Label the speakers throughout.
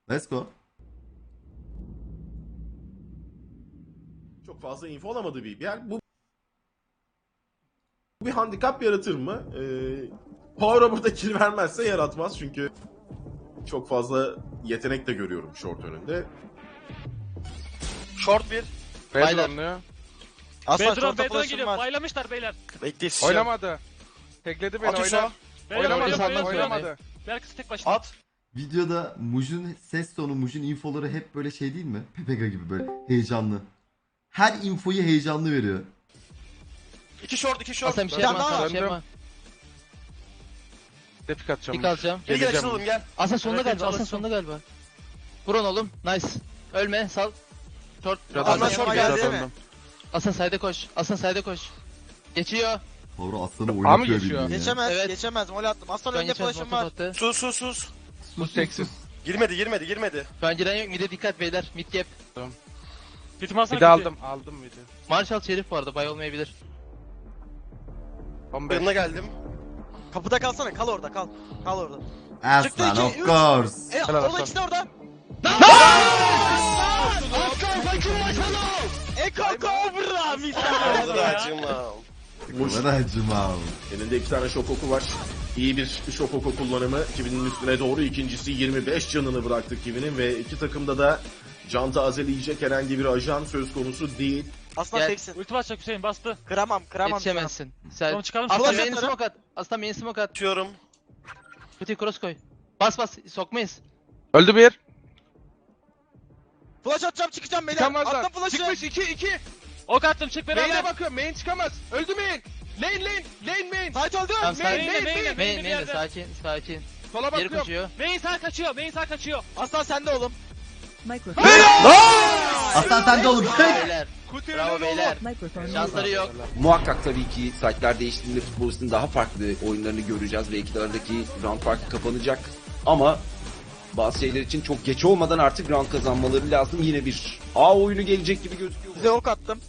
Speaker 1: Let's go.
Speaker 2: Çok fazla info alamadığı bir yer. Bu bir handikap yaratır mı? Power burada kill vermezse yaratmaz çünkü çok fazla yetenek de görüyorum short önünde.
Speaker 3: Short bir.
Speaker 4: Baylar.
Speaker 3: Aslan
Speaker 5: Bedron
Speaker 3: short'a
Speaker 5: Bedron
Speaker 3: flash'ım
Speaker 5: geliyor.
Speaker 3: var.
Speaker 5: Baylamışlar beyler.
Speaker 3: Bekle
Speaker 4: Oynamadı. Tekledi beni,
Speaker 3: At
Speaker 4: oyna.
Speaker 3: Hüso.
Speaker 5: Beyler
Speaker 4: Oynamadı,
Speaker 5: oynayamıyor,
Speaker 4: oynamadı.
Speaker 5: Berkası tek başına.
Speaker 3: At.
Speaker 1: Videoda Muj'un ses tonu, Muj'un infoları hep böyle şey değil mi? Pepega gibi böyle heyecanlı. Her infoyu heyecanlı veriyor.
Speaker 3: 2 short, 2 short.
Speaker 6: Aslan bir şey
Speaker 3: Bir tane
Speaker 6: yapma,
Speaker 3: daha
Speaker 6: Aslan
Speaker 3: var.
Speaker 6: bir şey yapma.
Speaker 4: Depik atacağım.
Speaker 6: Pik alacağım.
Speaker 3: Gel gel
Speaker 4: Geleceğim.
Speaker 3: açılalım gel.
Speaker 6: Aslan sonunda
Speaker 5: Evet,
Speaker 6: galiba, Aslan
Speaker 5: çalışsın.
Speaker 6: sonunda galiba. Vurun oğlum, nice. Ölme, sal. Short,
Speaker 3: Aslan
Speaker 6: Aslan
Speaker 3: short
Speaker 6: short
Speaker 3: geldi
Speaker 6: geldi.
Speaker 3: değil mi?
Speaker 6: Aslan side'e koş, Aslan side'e koş. Geçiyor.
Speaker 1: Power aslanı
Speaker 4: A mı
Speaker 1: oynatıyor
Speaker 4: geçiyor?
Speaker 1: bildiğin ya.
Speaker 3: Geçemez,
Speaker 6: Evet.
Speaker 3: geçemez. Mol attım. Aslan
Speaker 6: Şu an
Speaker 3: önünde
Speaker 6: geçen
Speaker 3: flash'ım var.
Speaker 6: attı.
Speaker 3: Sus.
Speaker 4: Bu seksiz.
Speaker 3: Girmedi.
Speaker 6: Şu an giren yok, mid'e dikkat beyler, mid gap.
Speaker 5: Bitim alsana.
Speaker 4: Bir de aldım bir de.
Speaker 6: Marshall Şerif bu arada, bay olmayabilir.
Speaker 4: 15.
Speaker 3: Yanına geldim. Kapıda kalsana, kal orada, kal. Kal orada. Çıktı
Speaker 1: Aslan
Speaker 3: iki,
Speaker 1: of
Speaker 3: üç.
Speaker 1: course.
Speaker 4: Helal
Speaker 3: Orada
Speaker 4: Aslan.
Speaker 3: ikisi de orada.
Speaker 5: Eko Cobra misal ya.
Speaker 2: Muş
Speaker 1: Ben acımam.
Speaker 2: elinde 2 tane şok oku var. İyi bir şok oku kullanımı. Kivi'nin üstüne doğru. İkincisi 25 canını bıraktı Kivi'nin ve iki takımda da can tazeleyecek herhangi bir ajan söz konusu değil.
Speaker 3: Aslan
Speaker 6: Gel.
Speaker 3: teksin.
Speaker 5: Ulti basacak Hüseyin bastı.
Speaker 3: Kıramam.
Speaker 6: Yetişemezsin. Sen...
Speaker 5: Tamam çıkalım.
Speaker 6: Aslan
Speaker 3: Flash
Speaker 6: main
Speaker 3: atarım.
Speaker 6: smoke at. Aslan main smoke at.
Speaker 3: Atıyorum.
Speaker 6: Kutuyu cross koy. Bas, sokmayız.
Speaker 4: Öldü bir.
Speaker 3: Flash atacağım, çıkacağım beyler.
Speaker 4: Çıkamazlar.
Speaker 3: Attım flash'ı.
Speaker 4: Çıkmış 2.
Speaker 5: Ok attım çık
Speaker 4: Main'e
Speaker 5: beraber.
Speaker 4: bakıyorum. Main çıkamaz. Öldü main. Lane main.
Speaker 3: Sait öldü.
Speaker 6: Tamam,
Speaker 4: Main,
Speaker 6: side.
Speaker 5: main,
Speaker 6: Main,
Speaker 5: bir yerde.
Speaker 6: sakin.
Speaker 4: Sola
Speaker 6: Geri
Speaker 4: bakıyorum.
Speaker 6: koşuyor.
Speaker 5: Main sağ kaçıyor.
Speaker 3: Aslan sende oğlum.
Speaker 7: Microphone.
Speaker 1: Aslan sen de oğlum.
Speaker 6: Beyler.
Speaker 4: Kutu
Speaker 6: Bravo
Speaker 4: önünde
Speaker 6: beyler.
Speaker 7: Microphone.
Speaker 6: Şansları yok.
Speaker 8: Muhakkak tabii ki saatler değiştiğinde futbolistin daha farklı oyunlarını göreceğiz ve ikilardaki round farkı kapanacak. Ama bazı şeyler için çok geç olmadan artık round kazanmaları lazım. Yine bir A oyunu gelecek gibi gözüküyor.
Speaker 3: Size ok attım.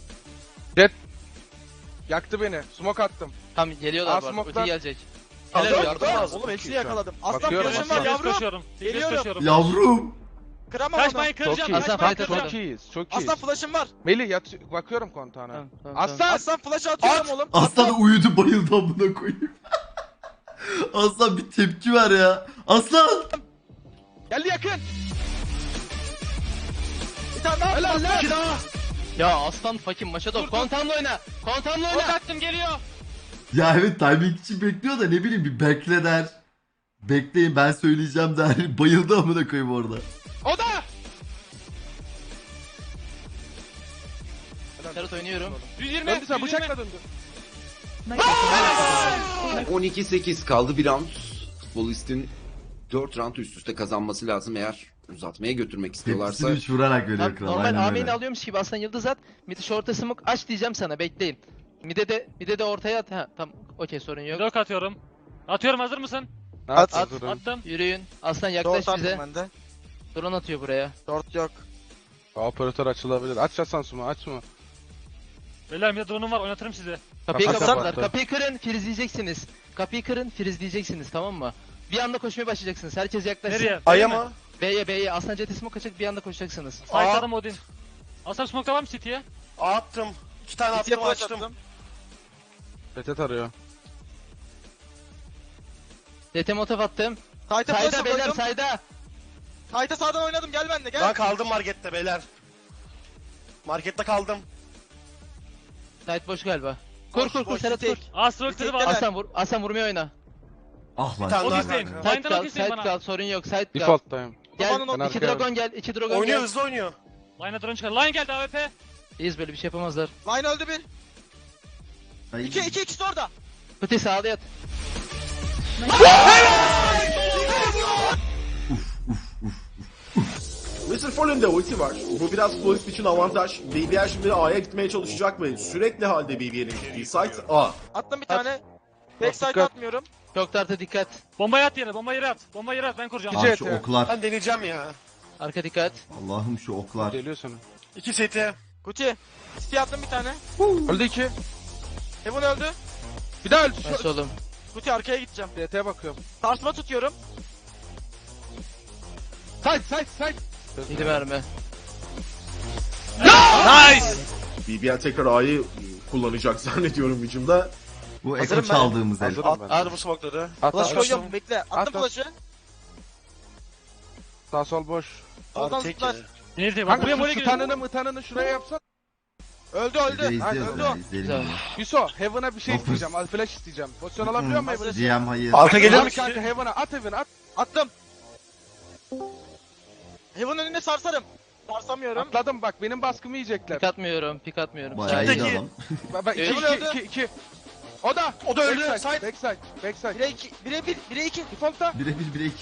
Speaker 4: Yaktı beni. Smoke attım.
Speaker 6: Tam geliyorlar bu arada.
Speaker 4: Smoke'dan-
Speaker 6: Ulti gelecek.
Speaker 3: Helal
Speaker 6: Helal
Speaker 3: yardım
Speaker 6: yardım
Speaker 3: az. Oğlum hepsini yakaladım. Aslan
Speaker 4: Bakıyorum,
Speaker 3: flash'ım
Speaker 4: Aslan.
Speaker 3: var yavrum.
Speaker 5: Koşuyorum.
Speaker 3: Geliyorum.
Speaker 5: Koşuyorum.
Speaker 1: Yavrum.
Speaker 3: Kıramam onu.
Speaker 5: Kaçmayın kıracağım.
Speaker 4: Çok iyi.
Speaker 6: Aslan
Speaker 5: Kaçmayın
Speaker 6: fight
Speaker 5: kıracağım.
Speaker 4: Çok iyiyiz. Çok iyiyiz.
Speaker 3: Aslan flash'ım var.
Speaker 4: Melih bakıyorum kontağına.
Speaker 6: Tamam.
Speaker 4: Aslan.
Speaker 3: Aslan flash'ı atıyorum oğlum.
Speaker 1: Aslan uyudu bayıldı amına koyayım. Aslan bir tepki ver ya. Aslan.
Speaker 4: Geldi yakın.
Speaker 3: Bir tane daha.
Speaker 4: Helal lan.
Speaker 6: Ya aslan fucking maşa top. Kontamla oyna. Kontamla
Speaker 5: Ok
Speaker 6: oyna.
Speaker 5: attım geliyor.
Speaker 1: Ya evet timing için bekliyor da ne bileyim bir bekle der. Bekleyin ben söyleyeceğim der. Bayıldı amına koyayım orada.
Speaker 4: O da.
Speaker 6: Serhat oynuyorum.
Speaker 5: 120.
Speaker 4: Döndü sen
Speaker 5: 120.
Speaker 4: bıçakla döndü.
Speaker 7: Microphone.
Speaker 8: 12-8 kaldı bir round. Futbolistin 4 round üst üste kazanması lazım eğer uzatmaya götürmek istiyorlarsa.
Speaker 1: Tepkisini üç vurarak veriyor
Speaker 6: Tam
Speaker 1: kral.
Speaker 6: normal
Speaker 1: Aynen
Speaker 6: AM'ini
Speaker 1: öyle.
Speaker 6: alıyormuş gibi aslan yıldız at. Mid'i short'a smoke aç diyeceğim sana bekleyin. Mid'e de ortaya at. Ha tamam okey sorun yok.
Speaker 5: Blok atıyorum. Atıyorum hazır mısın?
Speaker 4: At.
Speaker 5: Attım.
Speaker 6: Yürüyün. Aslan yaklaş
Speaker 3: Dört
Speaker 6: bize.
Speaker 3: attım ben de.
Speaker 6: Drone atıyor buraya.
Speaker 3: Dört yok.
Speaker 4: Operatör açılabilir. Aç Hasan Suma açma.
Speaker 5: Beyler bir de drone'um var oynatırım sizi.
Speaker 6: Kapıyı
Speaker 4: Kapat,
Speaker 6: kapatlar.
Speaker 4: kapat.
Speaker 6: Kapıyı kırın frizleyeceksiniz. Kapıyı kırın frizleyeceksiniz tamam mı? Bir anda koşmaya başlayacaksınız. Herkes yaklaşsın.
Speaker 5: Nereye?
Speaker 3: Aya
Speaker 5: B'ye mi?
Speaker 3: mı?
Speaker 6: B'ye. Aslan jeti smoke açık bir anda koşacaksınız.
Speaker 5: Site'ladım Odin. Aslan smoke'ta var mı City'ye?
Speaker 3: Attım. 2 tane
Speaker 6: City'ye
Speaker 3: attım
Speaker 6: flash
Speaker 3: açtım.
Speaker 4: Retet arıyor.
Speaker 6: Jete motof attım.
Speaker 3: Sight'a
Speaker 6: Sayda
Speaker 3: flash'ı
Speaker 6: beyler
Speaker 3: koydum.
Speaker 6: sayda.
Speaker 3: Sight'a sağdan oynadım gel benimle gel.
Speaker 9: Ben kaldım markette beyler. Markette kaldım.
Speaker 6: Site boş galiba. Kur Serhat kur.
Speaker 5: Astro kırdı var.
Speaker 6: Aslan vurmaya oyna.
Speaker 1: Ah lan.
Speaker 9: tane
Speaker 5: Ok
Speaker 9: daha
Speaker 5: isteyin.
Speaker 9: kanka.
Speaker 6: Site
Speaker 5: Line'dan ok
Speaker 6: kal,
Speaker 5: isteyin
Speaker 6: site
Speaker 5: bana.
Speaker 6: kal sorun yok site kal.
Speaker 4: Default'tayım.
Speaker 6: Gel
Speaker 3: Babanın
Speaker 4: Ben
Speaker 6: iki
Speaker 4: arkaya
Speaker 6: dragon gel, iki dragon
Speaker 9: Oynuyor
Speaker 6: gel.
Speaker 9: hızlı oynuyor.
Speaker 5: Line'a drone çıkar. Line geldi AWP.
Speaker 6: İyiyiz böyle bir şey yapamazlar.
Speaker 3: Line öldü bir.
Speaker 1: Ay.
Speaker 3: İki ikisi orada.
Speaker 6: Pıtı sağda yat.
Speaker 2: Mr. Fallen'de ulti var. Bu biraz futbolist için avantaj. BBR şimdi A'ya gitmeye çalışacak ve sürekli halde BBR'in gittiği site A.
Speaker 3: Attım bir tane. Backside
Speaker 4: Dikkat.
Speaker 3: atmıyorum.
Speaker 6: Çok tartı dikkat.
Speaker 5: Bombayı at yere. Bombayı yere at. Bombayı yere at. Ben kuracağım.
Speaker 4: İki
Speaker 1: Ah şu
Speaker 4: eti.
Speaker 1: oklar.
Speaker 9: Ben deneyeceğim ya.
Speaker 6: Arka dikkat.
Speaker 1: Allah'ım şu oklar.
Speaker 4: Geliyor sana.
Speaker 9: 2 seti.
Speaker 3: Gucci. City attım bir tane.
Speaker 4: Öldü 2.
Speaker 3: Heaven öldü.
Speaker 4: Bir daha öldü.
Speaker 6: Nasıl oğlum?
Speaker 3: Gucci arkaya gideceğim.
Speaker 4: DT'ye bakıyorum.
Speaker 3: Sarsma tutuyorum.
Speaker 4: Side.
Speaker 6: Midi verme.
Speaker 9: Nice.
Speaker 2: BBL tekrar A'yı kullanacak zannediyorum hücumda.
Speaker 1: Bu
Speaker 9: Hazırım
Speaker 1: Eko
Speaker 9: ben.
Speaker 1: çaldığımız el.
Speaker 4: Hazırım ben.
Speaker 9: Hadi bu smoke'ları.
Speaker 3: Flash koyuyorum bekle. Attım
Speaker 4: At.
Speaker 3: flash'ı.
Speaker 4: Sağ sol boş.
Speaker 3: Soldan
Speaker 9: Abi tek
Speaker 3: zıplar.
Speaker 9: yedi.
Speaker 5: Neydi? Bak
Speaker 4: Kanka
Speaker 5: buraya
Speaker 4: şu
Speaker 5: buraya giriyor.
Speaker 4: tutanını şuraya yapsan.
Speaker 3: Öldü
Speaker 1: Bir de
Speaker 3: öldü.
Speaker 1: izliyoruz
Speaker 3: Öldü
Speaker 1: ya,
Speaker 3: o.
Speaker 1: izleyelim
Speaker 6: Güzel.
Speaker 1: onu.
Speaker 4: Yusuf Heaven'a bir şey
Speaker 1: Dokuz.
Speaker 4: isteyeceğim. Al flash isteyeceğim. Pozisyon alabiliyor muyum Heaven'a?
Speaker 1: GM hayır.
Speaker 9: Arka gelir
Speaker 4: Abi
Speaker 9: mi?
Speaker 4: kanka Heaven'a at Heaven'a at.
Speaker 3: Attım. Heaven önüne sarsarım. Sarsamıyorum.
Speaker 4: Atladım bak benim baskımı yiyecekler.
Speaker 6: Pik atmıyorum.
Speaker 1: Bayağı
Speaker 6: Side.
Speaker 1: iyi adam.
Speaker 4: Bak
Speaker 3: Öldü.
Speaker 4: 2. O da
Speaker 9: öldü.
Speaker 4: Backside.
Speaker 3: 1'e 2. 1'e 1. 1'e 2.
Speaker 4: Default'ta.
Speaker 1: Birebir 1'e 2.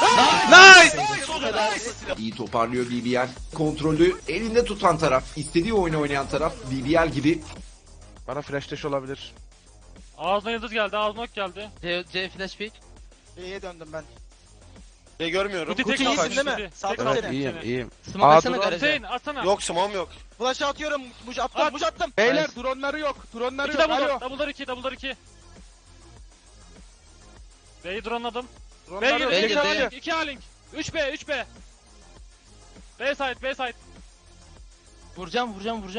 Speaker 8: İyi toparlıyor BBL. Kontrolü elinde tutan taraf, istediği oyunu oynayan taraf BBL gibi.
Speaker 4: Bana flash dash olabilir.
Speaker 5: Ağzına yıldız geldi. Ağzına ok geldi.
Speaker 6: C flash pick.
Speaker 3: B'ye döndüm ben.
Speaker 9: Görmüyorum.
Speaker 5: Kuti tek
Speaker 3: Kuti iyisin
Speaker 5: kaldı.
Speaker 3: değil mi?
Speaker 5: Kuti.
Speaker 3: Saldım
Speaker 5: Tek
Speaker 3: seni.
Speaker 5: kaldı.
Speaker 4: İyiyim.
Speaker 6: Smoke
Speaker 4: Aa,
Speaker 6: atsana
Speaker 4: dur,
Speaker 6: garaja.
Speaker 5: Hüseyin atsana.
Speaker 9: Yok smoke'um yok.
Speaker 3: Flash'ı atıyorum. Muj attım.
Speaker 5: At.
Speaker 3: Muj attım.
Speaker 4: Beyler
Speaker 6: Nice.
Speaker 4: dronları yok. Dronları
Speaker 5: İki
Speaker 4: yok.
Speaker 5: double
Speaker 4: Alo.
Speaker 5: door. Double'lar 2. Double'lar 2. B'yi drone'ladım. B
Speaker 4: Dronları
Speaker 5: girdi.
Speaker 4: yok.
Speaker 6: B
Speaker 5: B
Speaker 6: girdi.
Speaker 5: girdi. 2 A-Link. 3B. 3B. B side. B side.
Speaker 6: Vuracağım.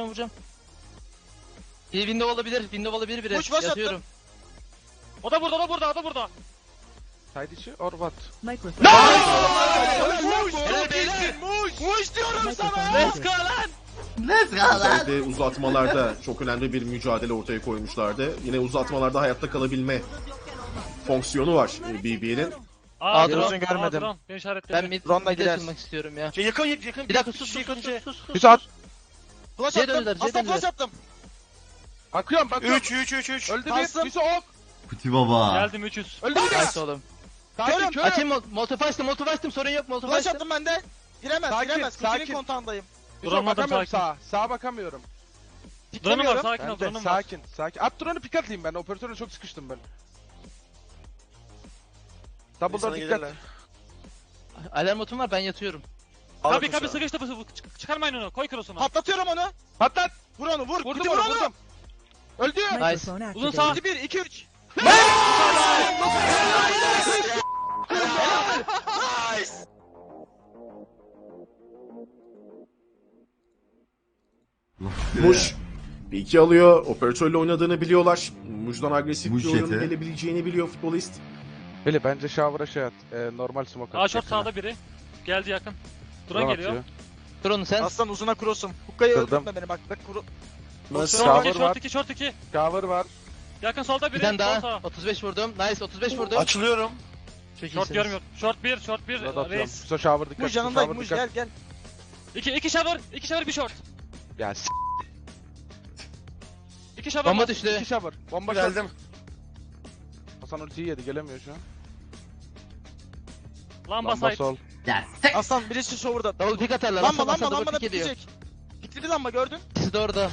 Speaker 6: Bir window olabilir biri.
Speaker 3: Push, push
Speaker 6: Yatıyorum.
Speaker 5: O da burada. O da burada.
Speaker 4: Side içi or what?
Speaker 7: Microphone.
Speaker 3: Helal beyler. Muj diyorum sana.
Speaker 5: Let's go lan.
Speaker 1: Let's go lan.
Speaker 2: Özellikle uzatmalarda çok önemli bir mücadele ortaya koymuşlardı. Yine uzatmalarda hayatta kalabilme fonksiyonu var BBL'in.
Speaker 5: Aa,
Speaker 6: drone
Speaker 5: drone.
Speaker 3: görmedim.
Speaker 5: Drone. Beni işaretledi.
Speaker 6: Ben mid
Speaker 3: Drone'la
Speaker 6: mid'e
Speaker 3: gider.
Speaker 6: açılmak istiyorum ya.
Speaker 9: Yakın.
Speaker 6: Bir dakika sus.
Speaker 4: Yusuf at.
Speaker 3: Flash
Speaker 6: C
Speaker 3: attım.
Speaker 6: döndüler, C
Speaker 3: Aslan
Speaker 6: döndüler.
Speaker 3: flash attım.
Speaker 4: Bakıyorum.
Speaker 9: 3.
Speaker 4: Öldü
Speaker 3: Kalsın.
Speaker 4: bir. Yusuf ok.
Speaker 1: Kuti baba.
Speaker 5: Geldim 300.
Speaker 4: Öldü bir.
Speaker 6: Nice oğlum.
Speaker 4: Sakin
Speaker 3: Körüm.
Speaker 4: körüm.
Speaker 6: Açayım molotov açtım sorun yok molotov
Speaker 3: Flash
Speaker 6: açtım.
Speaker 3: attım ben de. Giremez.
Speaker 4: Sakin,
Speaker 3: Kutinin
Speaker 4: sakin.
Speaker 3: kontağındayım.
Speaker 4: Yusuf
Speaker 5: Duramadım,
Speaker 4: bakamıyorum
Speaker 5: sakin.
Speaker 4: sağa. Sağa bakamıyorum.
Speaker 5: Drone'um var.
Speaker 3: Piklemiyorum.
Speaker 5: Sakin ol.
Speaker 4: Ben de
Speaker 5: Drone'um var.
Speaker 4: sakin. At drone'u pick atlayayım ben. Operatörle çok sıkıştım ben. Double door dikkat.
Speaker 6: Alarm botum var ben yatıyorum.
Speaker 5: Kabi sıkıştı. Çıkarmayın onu. Koy cross'unu.
Speaker 3: Patlatıyorum onu.
Speaker 4: Patlat.
Speaker 3: Vur onu vur.
Speaker 4: Vurdum
Speaker 3: Kuti
Speaker 4: onu
Speaker 3: vur onu.
Speaker 4: vurdum. Öldü.
Speaker 7: Microphone
Speaker 5: Uzun
Speaker 7: activated.
Speaker 5: sağ.
Speaker 3: 1 2 3.
Speaker 2: Muş bir iki alıyor. Operatörle oynadığını biliyorlar. Muş'dan agresif
Speaker 1: Muş
Speaker 2: bir oyun
Speaker 1: yeti.
Speaker 2: gelebileceğini biliyor futbolist.
Speaker 4: Beli bence shower'a şey at. Normal smoke at.
Speaker 5: A short sağda biri. Geldi yakın. Drone geliyor.
Speaker 6: Drone'u sen.
Speaker 3: Aslan uzuna cross'um. Hukkayı
Speaker 4: Kırdım.
Speaker 3: öldürme beni bak. Bak kuru.
Speaker 5: Short 2,
Speaker 4: Shower var.
Speaker 5: short 2, short 2.
Speaker 4: Shower var.
Speaker 5: Yakın solda
Speaker 6: Bir
Speaker 5: biri.
Speaker 6: tane
Speaker 5: Sol
Speaker 6: daha.
Speaker 5: sağ.
Speaker 6: 35 vurdum. Nice 35 vurdum.
Speaker 9: Açılıyorum.
Speaker 6: Çok
Speaker 5: Short
Speaker 6: iyisiniz.
Speaker 5: görmüyor. Short 1, short 1.
Speaker 4: Burada atıyorum.
Speaker 5: Reis.
Speaker 4: Yusuf shower dikkat.
Speaker 3: Muj yanındayım.
Speaker 4: shower
Speaker 3: Muj
Speaker 4: dikkat.
Speaker 3: gel gel.
Speaker 5: 2 shower, 2 shower, 1 short.
Speaker 4: Ya
Speaker 5: 2 shower.
Speaker 6: Bomba
Speaker 5: var.
Speaker 6: düştü.
Speaker 4: iki shower. Bomba geldi.
Speaker 9: Geldim.
Speaker 4: Hasan ultiyi yedi gelemiyor şu an.
Speaker 5: Lamba
Speaker 4: Lamba
Speaker 5: side.
Speaker 4: sol.
Speaker 1: Ya sek.
Speaker 3: Aslan birisi shower'da.
Speaker 6: Double pick atarlar.
Speaker 3: Lamba
Speaker 6: Hasan
Speaker 3: lamba
Speaker 6: double
Speaker 3: lamba da
Speaker 6: pick ediyor.
Speaker 3: bitecek. Bitti bir lamba gördün.
Speaker 6: İkisi de orada.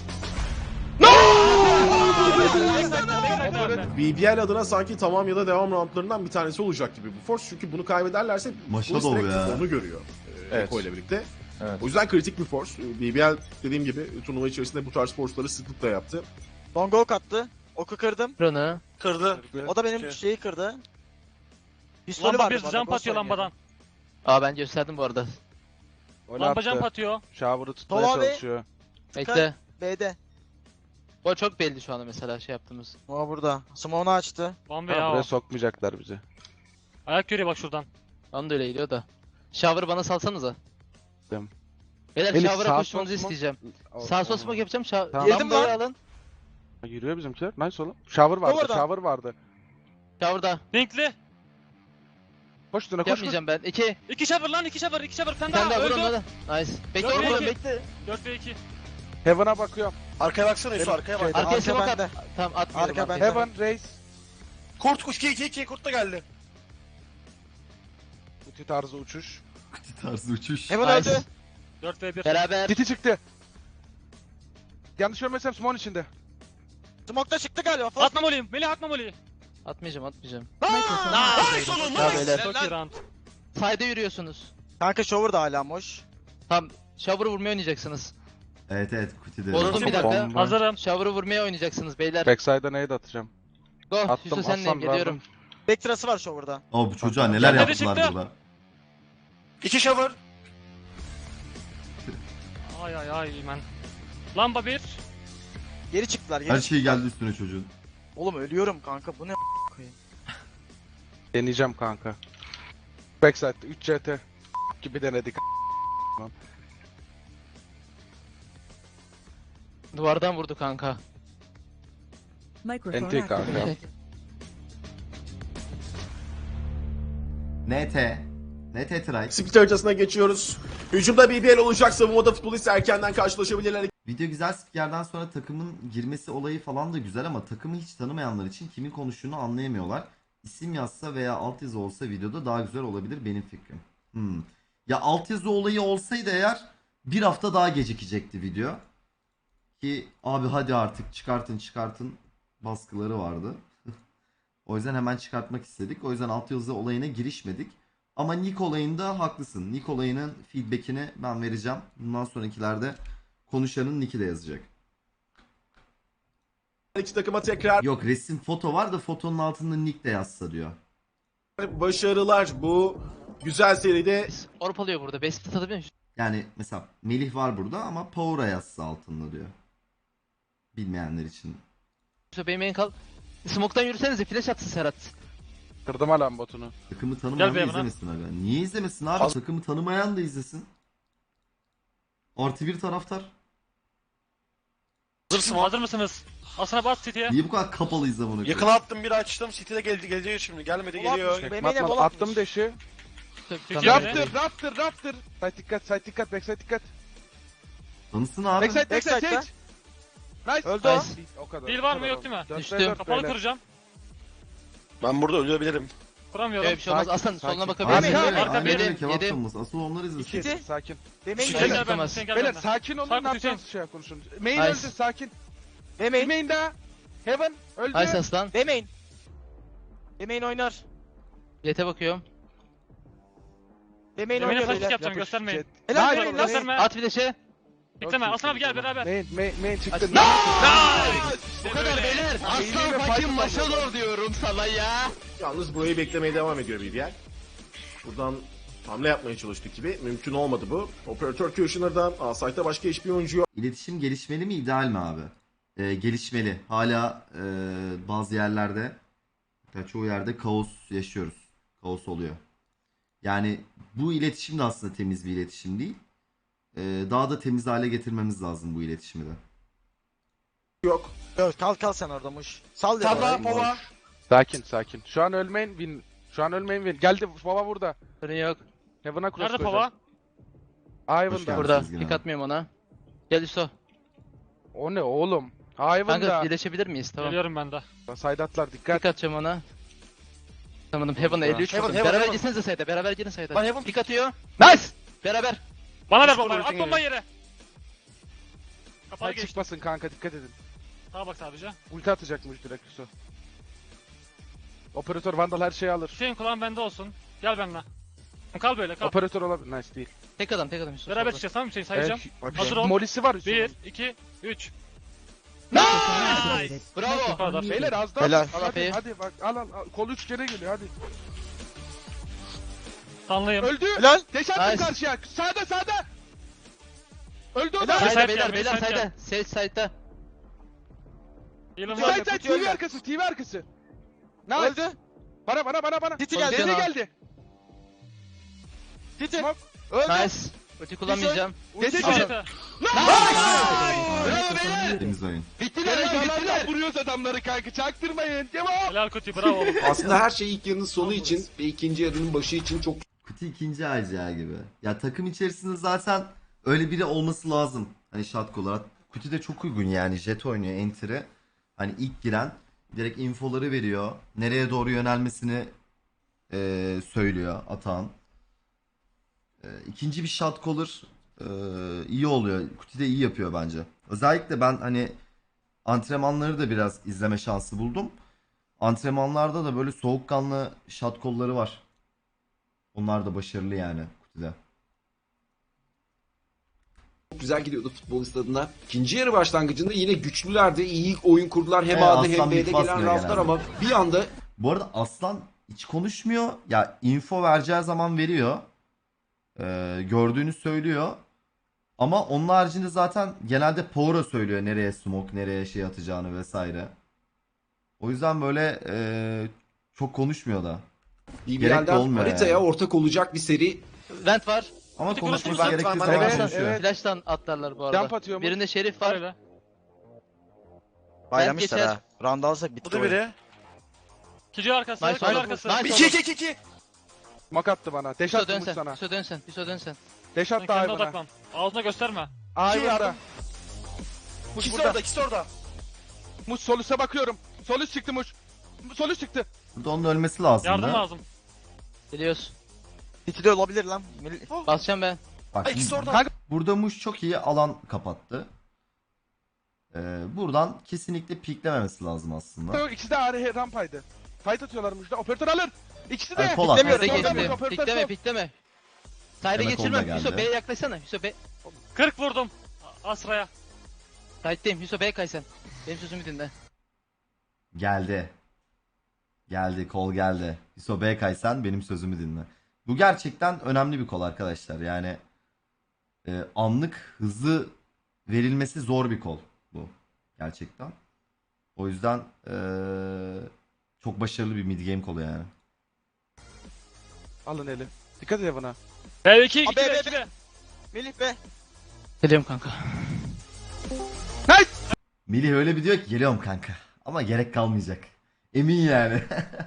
Speaker 2: BBL adına sanki tamam ya da devam roundlarından bir tanesi olacak gibi bu force. Çünkü bunu kaybederlerse
Speaker 1: Maşa
Speaker 2: Bulls
Speaker 1: dolu
Speaker 2: direkt
Speaker 1: ya.
Speaker 2: onu görüyor.
Speaker 4: Evet.
Speaker 2: Eko ile birlikte.
Speaker 4: Evet.
Speaker 2: O yüzden kritik bir force. BBL dediğim gibi turnuva içerisinde bu tarz force'ları sıklıkla yaptı.
Speaker 3: Long ok attı. Oku kırdım.
Speaker 6: Drone'u.
Speaker 9: Kırdı.
Speaker 3: O da benim
Speaker 9: Şey.
Speaker 3: şeyi kırdı. Pistolü
Speaker 5: Lamba
Speaker 3: var
Speaker 5: 1
Speaker 3: bu arada,
Speaker 5: jump
Speaker 3: boss
Speaker 5: atıyor
Speaker 3: oynuyor.
Speaker 5: lambadan.
Speaker 6: Aa ben gösterdim bu arada.
Speaker 4: Öyle
Speaker 5: Lamba
Speaker 4: attı.
Speaker 5: jump atıyor.
Speaker 4: Shower'ı tutmaya
Speaker 3: Tova abi.
Speaker 4: çalışıyor.
Speaker 6: Bekle.
Speaker 3: B'de.
Speaker 6: O çok belli şu anda mesela şey yaptığımız.
Speaker 3: O burada. Smoke'unu açtı.
Speaker 5: Bomba
Speaker 4: Tamam,
Speaker 5: ya
Speaker 4: buraya
Speaker 5: o.
Speaker 4: sokmayacaklar bizi.
Speaker 5: Ayak görüyor bak şuradan.
Speaker 6: Onu da öyle geliyor da. Shower'ı bana salsanıza.
Speaker 4: Tamam.
Speaker 6: Beyler
Speaker 4: Melih,
Speaker 6: shower'a
Speaker 4: sağ
Speaker 6: koşmanızı
Speaker 4: sol smoke-
Speaker 6: isteyeceğim.
Speaker 4: O-
Speaker 6: Sağ sol
Speaker 4: o-
Speaker 6: smoke yapacağım.
Speaker 4: Tamam.
Speaker 3: Yedim
Speaker 6: Lambayı
Speaker 3: lan.
Speaker 6: alın.
Speaker 4: Yürüyor bizimkiler. Nice oğlum. Shower vardı.
Speaker 3: Orada.
Speaker 4: Shower vardı.
Speaker 6: Shower'da.
Speaker 5: Linkli.
Speaker 4: Koş üstüne koş. Koş.
Speaker 6: Yapmayacağım ben. 2.
Speaker 5: 2 shower lan 2 shower 2 shower. Bir tane
Speaker 6: Bir tane
Speaker 5: daha
Speaker 6: daha vur onu
Speaker 5: öldü.
Speaker 6: da. Nice. Bekle
Speaker 5: Dört
Speaker 6: oğlum
Speaker 5: ve iki.
Speaker 6: bekle.
Speaker 5: 4 ve 2.
Speaker 4: Heaven'a bakıyorum.
Speaker 9: Arkaya baksana Yusuf arkaya bak.
Speaker 4: Şeyde.
Speaker 6: Arkaya
Speaker 3: Arka
Speaker 6: smoke
Speaker 3: bende.
Speaker 6: at. Tamam atmıyorum.
Speaker 3: Arka
Speaker 6: arkaya.
Speaker 3: bende.
Speaker 4: Heaven, Raze.
Speaker 9: Kurt kuş 2 kurt da geldi.
Speaker 4: Ulti tarzı uçuş.
Speaker 1: Kuti tarzı uçuş.
Speaker 3: Hemen
Speaker 6: Nice.
Speaker 3: öldü.
Speaker 5: 4 ve 1.
Speaker 6: Beraber.
Speaker 4: Titi çıktı. Yanlış görmesem Smon içinde.
Speaker 3: Smoke'da çıktı galiba. Fast.
Speaker 5: Atma moliyim. Melih atma moliyi.
Speaker 6: Atmayacağım.
Speaker 9: Nice oğlum
Speaker 6: Ya
Speaker 9: nice.
Speaker 6: beyler.
Speaker 5: Çok iyi round.
Speaker 6: Side'e yürüyorsunuz.
Speaker 3: Kanka shower da hala boş.
Speaker 6: Tam shower'ı vurmaya oynayacaksınız.
Speaker 1: Evet Kuti de.
Speaker 6: Bozuldu bir dakika.
Speaker 4: Bomba.
Speaker 5: Hazırım.
Speaker 6: Shower'ı vurmaya oynayacaksınız beyler.
Speaker 4: Backside'a nade atacağım.
Speaker 6: Go.
Speaker 4: Attım,
Speaker 6: Yusuf senleyim
Speaker 4: aslan
Speaker 6: geliyorum.
Speaker 4: verdim.
Speaker 3: Backtrası var shower'da.
Speaker 1: O bu çocuğa neler
Speaker 5: Nerede
Speaker 1: yaptılar
Speaker 5: çıktı?
Speaker 1: burada.
Speaker 9: 2 shower.
Speaker 5: Ay ay ay man. Lamba 1.
Speaker 3: Geri çıktılar geri
Speaker 1: Her
Speaker 3: çıktılar.
Speaker 1: şey geldi üstüne çocuğun.
Speaker 3: Oğlum ölüyorum kanka bu ne koyayım.
Speaker 4: Deneyeceğim kanka. Backside 3 CT gibi denedik.
Speaker 6: Duvardan vurdu kanka.
Speaker 7: Microphone
Speaker 4: NT kanka.
Speaker 7: activated.
Speaker 1: NT. NT try.
Speaker 2: Split haritasına geçiyoruz. Hücumda BBL olacak. Savunmada futbolist erkenden karşılaşabilirler.
Speaker 1: Video güzel, spikerden sonra takımın girmesi olayı falan da güzel ama takımı hiç tanımayanlar için kimin konuştuğunu anlayamıyorlar. İsim yazsa veya altyazı olsa videoda daha güzel olabilir benim fikrim. Ya altyazı olayı olsaydı eğer bir hafta daha gecikecekti video. Ki abi hadi artık çıkartın baskıları vardı. O yüzden hemen çıkartmak istedik. O yüzden altyazı olayına girişmedik. Ama Nick olayında haklısın. Nick olayının feedbackini ben vereceğim. Bundan sonrakilerde konuşanın nick'i de yazacak.
Speaker 2: İki takıma tekrar
Speaker 1: Yok, resim foto var da fotonun altında nick de yazsa diyor.
Speaker 2: başarılar. Bu güzel seride
Speaker 6: Orpalıyor burada. Best atabiliyor musun?
Speaker 1: Yani mesela Melih var burada ama Power'a yazsa altında diyor. Bilmeyenler için.
Speaker 6: Benim en kal. Smoke'tan yürüsenize flash atsın Serhat.
Speaker 4: Kırdım alan botunu.
Speaker 1: Takımı tanımayan
Speaker 5: Gel
Speaker 1: da
Speaker 5: be bana.
Speaker 1: izlemesin abi. Niye izlemesin abi? Takımı tanımayan da izlesin. Artı bir taraftar.
Speaker 5: Hazır mısınız? Asına bas City'ye.
Speaker 1: Niye bu kadar kapalı izle bunu?
Speaker 9: Yakına attım bir açtım. City'de geliyor şimdi. Gelmedi geliyor.
Speaker 3: Benim
Speaker 4: Matman,
Speaker 3: bol
Speaker 4: attım
Speaker 3: atmış.
Speaker 4: deşi.
Speaker 5: Tamam.
Speaker 4: Raptor. Side dikkat, backside dikkat.
Speaker 1: Tanısın abi.
Speaker 4: Backside
Speaker 3: Backside'da.
Speaker 4: Sage. Nice.
Speaker 3: Öldü o.
Speaker 6: Nice.
Speaker 4: O kadar.
Speaker 5: Dil var mı, yok değil mi?
Speaker 6: Düştü.
Speaker 5: Kapalı kıracağım.
Speaker 9: Ben burada ölebilirim.
Speaker 5: Kuramıyorum.
Speaker 6: Öyle bir şey olmaz.
Speaker 4: Sakin,
Speaker 6: Aslan
Speaker 4: sakin.
Speaker 6: soluna bakabilir
Speaker 1: Aynen
Speaker 6: miyim?
Speaker 1: öyle.
Speaker 5: Arka
Speaker 1: Aynen
Speaker 5: bir,
Speaker 1: öyle. Kebap
Speaker 6: yedim.
Speaker 1: tanıması. Asıl onlar izlesin.
Speaker 3: City.
Speaker 4: Sakin.
Speaker 3: Benim
Speaker 5: Sen
Speaker 3: geldi.
Speaker 5: gel ben.
Speaker 6: tutamaz.
Speaker 5: Sen gel
Speaker 4: Beyler
Speaker 5: ben.
Speaker 4: sakin olun,
Speaker 5: Sarp
Speaker 4: ne yapacağız
Speaker 5: Hüseyin.
Speaker 4: şey konuşun. Main
Speaker 6: Nice.
Speaker 4: öldü, sakin.
Speaker 3: Demeyin.
Speaker 4: Main daha. Heaven öldü.
Speaker 6: Nice aslan.
Speaker 3: Demeyin. Demeyin oynar.
Speaker 6: Jet'e bakıyorum.
Speaker 3: Demeyin
Speaker 5: Demeyin
Speaker 3: oynuyor
Speaker 5: flash
Speaker 3: beyler.
Speaker 5: yapacağım, göstermeyin.
Speaker 3: Helal
Speaker 4: Nice.
Speaker 3: demeyin lan.
Speaker 5: Gösterme.
Speaker 6: At flash'e.
Speaker 5: Bekleme. Aslan abi gel beraber.
Speaker 4: Main çıktı.
Speaker 6: Aç- Bu kadar beyler. Aslan fucking maşallah diyorum sana ya.
Speaker 2: yalnız burayı beklemeye devam ediyor BBL. Buradan hamle yapmaya çalıştık gibi. Mümkün olmadı bu. Operatör Kushner'dan A-Site'da başka hiçbir oyuncu yok.
Speaker 1: İletişim gelişmeli mi, ideal mi abi? Gelişmeli. Hala bazı yerlerde, hatta çoğu yerde kaos yaşıyoruz. Kaos oluyor. Yani bu iletişim de aslında temiz bir iletişim değil. Daha da temiz hale getirmemiz lazım bu iletişimi de.
Speaker 2: Yok.
Speaker 3: Dur, kal sen orada muş. Sal
Speaker 9: Salla
Speaker 3: ya.
Speaker 9: Pova.
Speaker 4: Sakin. Şu an ölmeyin win. Geldi baba burada.
Speaker 6: Sorun yok.
Speaker 4: Heaven'a cross
Speaker 5: Nerede
Speaker 4: koyacağız.
Speaker 1: Hoş
Speaker 4: Ivan'da.
Speaker 1: geldin.
Speaker 6: Burada.
Speaker 1: Sezgin
Speaker 6: Pick
Speaker 1: abi.
Speaker 6: atmıyorum ona. Gel Üso.
Speaker 4: O ne oğlum?
Speaker 6: Kanka
Speaker 4: Ivan'da.
Speaker 6: birleşebilir miyiz? Tamam.
Speaker 5: Geliyorum ben de.
Speaker 4: Side atlar dikkat.
Speaker 6: Pick atacağım ona. Tamam Heaven'a 53
Speaker 3: Heaven,
Speaker 6: vurdum.
Speaker 3: Heaven,
Speaker 6: Beraber
Speaker 3: Heaven.
Speaker 6: gitsenize sayda. Beraber girin sayda.
Speaker 3: Lan Heaven.
Speaker 6: Pick atıyor. Nice. Beraber.
Speaker 5: Bana ver
Speaker 4: Üst
Speaker 5: bombayı.
Speaker 4: koridorun
Speaker 5: At bombayı yere. Kapalı
Speaker 4: Side
Speaker 5: geçti.
Speaker 4: çıkmasın kanka dikkat edin.
Speaker 5: Sağa bak sadece.
Speaker 4: Ulti atacakmış direkt Yusuf. Operatör Vandal her şeyi alır.
Speaker 5: Hüseyin kulağın bende olsun. Gel benimle. Kal böyle kal.
Speaker 4: Operatör olabilir. Nice değil.
Speaker 6: Tek adam Yusuf.
Speaker 5: Beraber
Speaker 6: solda.
Speaker 5: çıkacağız tamam mı Hüseyin, sayacağım.
Speaker 4: Bak,
Speaker 5: Hazır ol.
Speaker 4: Molisi var Yusuf'un.
Speaker 5: 1, 2, 3.
Speaker 7: Activated.
Speaker 6: Bravo.
Speaker 7: Microphone
Speaker 5: Beyler,
Speaker 7: muted.
Speaker 4: Beyler az daha.
Speaker 3: Helal.
Speaker 4: Hadi, hadi bak al. Kol 3 kere geliyor hadi.
Speaker 5: Tanlıyım.
Speaker 4: Öldü.
Speaker 3: Helal.
Speaker 4: Deş attım
Speaker 6: Nice.
Speaker 4: karşıya. Sağda. Öldü o da.
Speaker 3: Helal.
Speaker 5: Side
Speaker 6: Sayda
Speaker 5: gel,
Speaker 6: beyler
Speaker 5: side
Speaker 6: sayda.
Speaker 5: gel.
Speaker 6: Sage side'da.
Speaker 5: Heal'ım
Speaker 3: Side,
Speaker 5: var.
Speaker 4: Side
Speaker 3: Kutuyu
Speaker 4: TV
Speaker 3: öldü.
Speaker 4: arkası. TV arkası. Nice.
Speaker 3: Öldü.
Speaker 4: Bana.
Speaker 3: City geldi.
Speaker 4: Dede
Speaker 6: Cana.
Speaker 4: geldi.
Speaker 3: City.
Speaker 4: Smoke.
Speaker 3: Öldü.
Speaker 6: Nice. Ulti kullanmayacağım.
Speaker 4: Dede
Speaker 5: Al
Speaker 4: geldi.
Speaker 5: yeter.
Speaker 6: Bravo beyler.
Speaker 1: Temiz oyun.
Speaker 6: Bittiler lan bittiler.
Speaker 4: Vuruyoruz adamları kanka çaktırmayın. Cevap.
Speaker 5: Helal Kuti, bravo oğlum.
Speaker 8: Aslında her şey ilk yarının sonu için ve ikinci yarının başı için çok
Speaker 1: Kutu ikinci ACA gibi. Ya takım içerisinde zaten öyle biri olması lazım. Hani shot olarak. Kutu de çok uygun yani. Jet oynuyor enter'ı. Hani ilk giren direkt infoları veriyor. Nereye doğru yönelmesini söylüyor atan. İkinci bir shot caller iyi oluyor. Kuti de iyi yapıyor bence. Özellikle ben hani antrenmanları da biraz izleme şansı buldum. Antrenmanlarda da böyle soğukkanlı shot call'ları var. Onlar da başarılı yani Kuti'de.
Speaker 8: güzel gidiyordu futbolist adına. İkinci yarı başlangıcında yine güçlülerdi. İyi oyun kurdular. Hem A'da hem
Speaker 1: Aslan
Speaker 8: B'de
Speaker 1: bit
Speaker 8: gelen
Speaker 1: basmıyor
Speaker 8: raflar
Speaker 1: genelde.
Speaker 8: ama bir anda
Speaker 1: Bu arada Aslan hiç konuşmuyor. Ya info vereceği zaman veriyor. gördüğünü söylüyor. Ama onun haricinde zaten genelde Power'a söylüyor nereye smoke, nereye şey atacağını vesaire. O yüzden böyle çok konuşmuyor da. Gerek de
Speaker 8: BBL'den
Speaker 1: olmuyor
Speaker 8: haritaya
Speaker 1: yani.
Speaker 8: ortak olacak bir seri.
Speaker 6: Vent var.
Speaker 1: Ama
Speaker 5: Hadi
Speaker 1: konuşması
Speaker 5: konuşuruz.
Speaker 1: gerektiği
Speaker 9: Evet,
Speaker 1: zaman
Speaker 4: evet,
Speaker 1: konuşuyor.
Speaker 4: evet.
Speaker 6: Flash'tan atlarlar bu arada.
Speaker 4: Jump atıyor mu?
Speaker 6: Birinde Şerif
Speaker 5: Var
Speaker 6: var.
Speaker 5: öyle.
Speaker 3: Baylamışlar
Speaker 6: geçer.
Speaker 3: ha. Round alsak
Speaker 9: Bu
Speaker 3: bitti
Speaker 9: da
Speaker 3: oyun.
Speaker 9: biri.
Speaker 5: Kici arkası.
Speaker 6: Nice
Speaker 5: Kici
Speaker 6: oldu.
Speaker 5: arkası.
Speaker 6: Nice.
Speaker 9: 2-2-2-2.
Speaker 4: Mak attı bana. Deş
Speaker 6: Hüso
Speaker 4: attı
Speaker 6: dön
Speaker 4: Muş
Speaker 6: sen.
Speaker 4: sana.
Speaker 6: Hüso dön sen. Hüso dön sen.
Speaker 4: Deş
Speaker 5: Sen
Speaker 4: attı
Speaker 5: kendine
Speaker 4: Ayvan'a.
Speaker 5: odaklan. Ağzına gösterme.
Speaker 4: Ayvan'a. Muş
Speaker 9: İkisi
Speaker 4: burada.
Speaker 9: orada, ikisi orada.
Speaker 4: Muş sol üste bakıyorum. Sol üst çıktı Muş. Sol üst çıktı.
Speaker 1: Burada onun ölmesi lazım.
Speaker 5: Yardım
Speaker 1: da.
Speaker 5: lazım.
Speaker 6: Geliyoruz.
Speaker 3: İkili olabilir lan.
Speaker 6: Basacağım ben.
Speaker 1: Bak,
Speaker 9: Ay, ikisi orada.
Speaker 4: Kanka
Speaker 1: burada Muş çok iyi alan kapattı. Buradan kesinlikle piklememesi lazım aslında.
Speaker 4: ikisi de ağrı rampaydı. Fight atıyorlar Muş'ta. Operatör alır. İkisi de.
Speaker 1: Ay, Polat.
Speaker 6: Pikleme
Speaker 1: Piklemiyor,
Speaker 6: de
Speaker 1: piklemiyor.
Speaker 6: geçti. Pikleme pikleme. Side'e
Speaker 1: Demek
Speaker 6: geçirmem.
Speaker 1: onda
Speaker 6: Hüso
Speaker 1: geldi.
Speaker 6: B'ye yaklaşsana. Hüso B.
Speaker 5: 40 vurdum. Asra'ya.
Speaker 6: Side'deyim. Hüso B'ye kay sen. Benim sözümü dinle.
Speaker 1: Geldi. Geldi, kol geldi. Hiso B kaysan benim sözümü dinle. Bu gerçekten önemli bir kol arkadaşlar. Yani anlık hızlı verilmesi zor bir kol bu. Gerçekten. O yüzden çok başarılı bir mid game kolu yani.
Speaker 4: Alın eli. Dikkat et buna.
Speaker 5: B2 2
Speaker 3: Abi, B,
Speaker 5: 2
Speaker 3: Melih be.
Speaker 6: Geliyorum kanka.
Speaker 1: Melih öyle bir diyor ki geliyorum kanka. Ama gerek kalmayacak. Emin yani.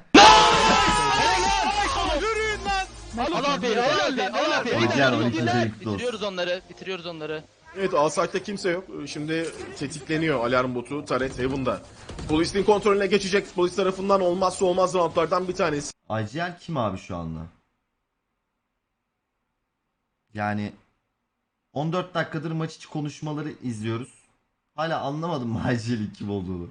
Speaker 6: Al abi. Al abi. Al abi.
Speaker 1: Hocam, 12. ayın kutlu olsun.
Speaker 6: Bitiriyoruz onları. Bitiriyoruz onları.
Speaker 2: Evet, A-Site'da kimse yok. Şimdi tetikleniyor alarm botu Turret Heaven'da. Polisin kontrolüne geçecek. Polis tarafından olmazsa olmaz roundlardan bir tanesi.
Speaker 1: IGL kim abi şu anda? Yani 14 dakikadır maç içi konuşmaları izliyoruz. Hala anlamadım mı IGL'in kim olduğunu.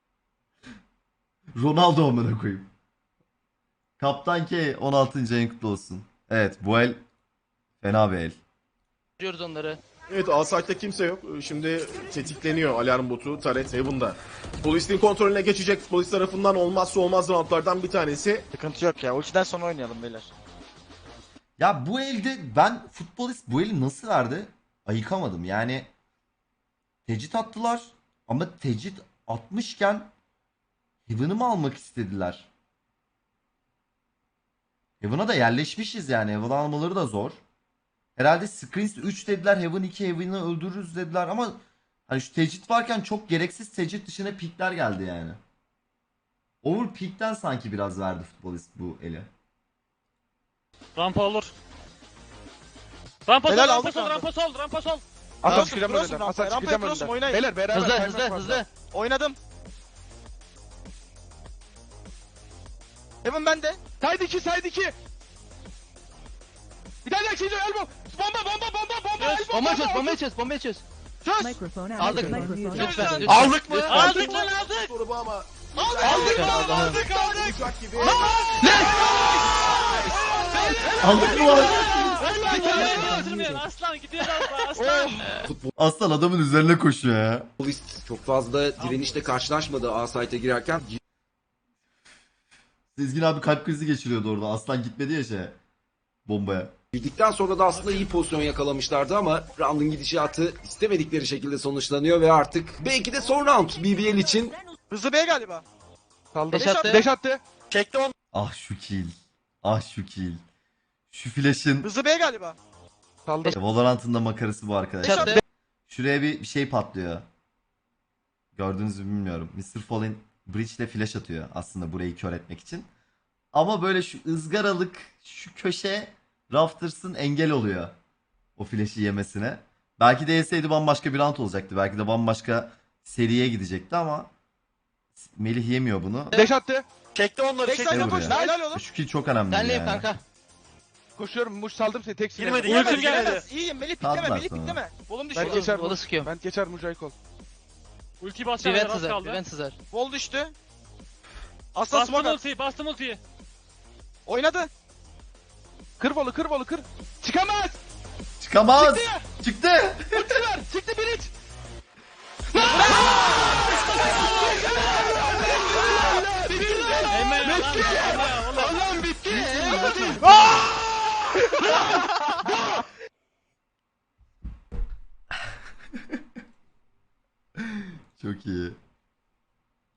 Speaker 1: Ronaldo amına koyayım. Kaptan K 16. ayın kutlu olsun. Evet, bu el fena bir el.
Speaker 6: Bitiriyoruz onları.
Speaker 2: Evet, A-Site'da kimse yok. Şimdi tetikleniyor alarm botu Turret Heaven'da. Polisin kontrolüne geçecek. Polis tarafından olmazsa olmaz roundlardan bir tanesi.
Speaker 3: Sıkıntı yok ya. Ultiden sonra oynayalım beyler.
Speaker 1: Ya bu elde ben futbolist bu eli nasıl verdi? Ayıkamadım. Yani tecrit attılar ama tecrit atmışken Heaven'ı mı almak istediler? Heaven'a da yerleşmişiz yani. Heaven almaları da zor. Herhalde Screens 3 dediler. Heaven 2 Heaven'ı öldürürüz dediler ama hani şu tecrit varken çok gereksiz tecrit dışına pikler geldi yani. Over pikten sanki biraz verdi futbolist bu eli.
Speaker 5: Rampa olur. Rampa sol,
Speaker 9: Helal,
Speaker 5: rampa
Speaker 9: aldık
Speaker 5: sol,
Speaker 9: abi.
Speaker 5: rampa sol, rampa sol.
Speaker 4: Aslan
Speaker 9: Cross'um,
Speaker 4: çıkacağım
Speaker 9: cross'um
Speaker 4: önünden.
Speaker 9: rampaya.
Speaker 4: Aslan
Speaker 9: Rampaya
Speaker 4: çıkacağım
Speaker 9: cross'um,
Speaker 4: önünden.
Speaker 9: oynayın.
Speaker 4: Beyler beraber
Speaker 6: Hızlı
Speaker 4: kaymaz
Speaker 6: hızlı
Speaker 4: fazla.
Speaker 6: hızlı.
Speaker 9: Oynadım. Heaven bende.
Speaker 4: Side 2 side 2. Bir tane daha çiziyor elbow. Bomba elbow.
Speaker 6: Bomba çöz. Bomba çöz. Bomba çöz.
Speaker 7: Microphone
Speaker 6: Aldık.
Speaker 7: activated. Microphone
Speaker 6: Lütfen.
Speaker 7: activated.
Speaker 6: Lütfen.
Speaker 9: Aldık mı?
Speaker 6: Lütfen.
Speaker 5: Aldık lan aldık.
Speaker 2: Soru bu ama
Speaker 9: Aldık.
Speaker 2: uçak gibi.
Speaker 1: Aldık mı lan?
Speaker 5: Aslan gidiyor aslan.
Speaker 1: Aslan adamın üzerine koşuyor ya.
Speaker 8: Polis çok fazla direnişle karşılaşmadı A-Site'e girerken.
Speaker 1: Sezgin abi kalp krizi geçiriyordu orada. Aslan gitmedi ya bombaya.
Speaker 8: Girdikten sonra da aslında iyi pozisyon yakalamışlardı ama round'un gidişatı istemedikleri şekilde sonuçlanıyor ve artık belki de son round BBL için.
Speaker 9: Hızlı B galiba.
Speaker 4: Saldı.
Speaker 6: Deş attı.
Speaker 4: Deş attı.
Speaker 9: Çekti onu.
Speaker 1: Ah şu kill. Ah şu kill. Şu flash'ın
Speaker 9: Hızlı B galiba.
Speaker 4: Saldı.
Speaker 1: Valorant'ın da makarası bu arkadaşlar.
Speaker 6: Çattı.
Speaker 1: Şuraya bir şey patlıyor. Gördünüz mü bilmiyorum. Mr. Fallen Bridge ile flash atıyor aslında burayı kör etmek için. Ama böyle şu ızgaralık şu köşe Rafters'ın engel oluyor. O flash'i yemesine. Belki de yeseydi bambaşka bir round olacaktı. Belki de bambaşka seriye gidecekti ama Melih yemiyor bunu.
Speaker 4: Deş attı.
Speaker 9: Çekti onları.
Speaker 1: Ne
Speaker 9: Çekti.
Speaker 1: vuruyor?
Speaker 9: Helal oğlum.
Speaker 1: Şu kill çok önemli
Speaker 6: Senleyim
Speaker 1: yani.
Speaker 6: kanka.
Speaker 4: Koşuyorum. Muş saldım seni. Tek
Speaker 9: Girmedi,
Speaker 4: silahla.
Speaker 5: Ultim
Speaker 9: girmedi,
Speaker 5: geldi.
Speaker 9: girmedi. İyiyim, Melih pikleme,
Speaker 1: Kaldılar
Speaker 9: Melih
Speaker 1: sonra.
Speaker 9: pikleme. Volum
Speaker 4: Ben
Speaker 9: düştü.
Speaker 4: geçer.
Speaker 6: Vola sıkıyorum.
Speaker 4: Ben geçer Mujaykol.
Speaker 5: Ulti
Speaker 6: Bir
Speaker 5: basacağım
Speaker 6: vent
Speaker 5: az
Speaker 6: sızar. Bir
Speaker 5: kaldı.
Speaker 6: vent sızar.
Speaker 9: Vol düştü. Aslan
Speaker 5: Bastım
Speaker 9: smoke at.
Speaker 5: ultiyi, bastım ultiyi.
Speaker 9: Oynadı.
Speaker 4: Kır volu kır volu kır. Çıkamaz.
Speaker 1: Çıkamaz. Çıktı.
Speaker 4: Çıktı bir iç.
Speaker 5: Eymen lan.
Speaker 4: Allah'ım bitti.
Speaker 1: Çok iyi.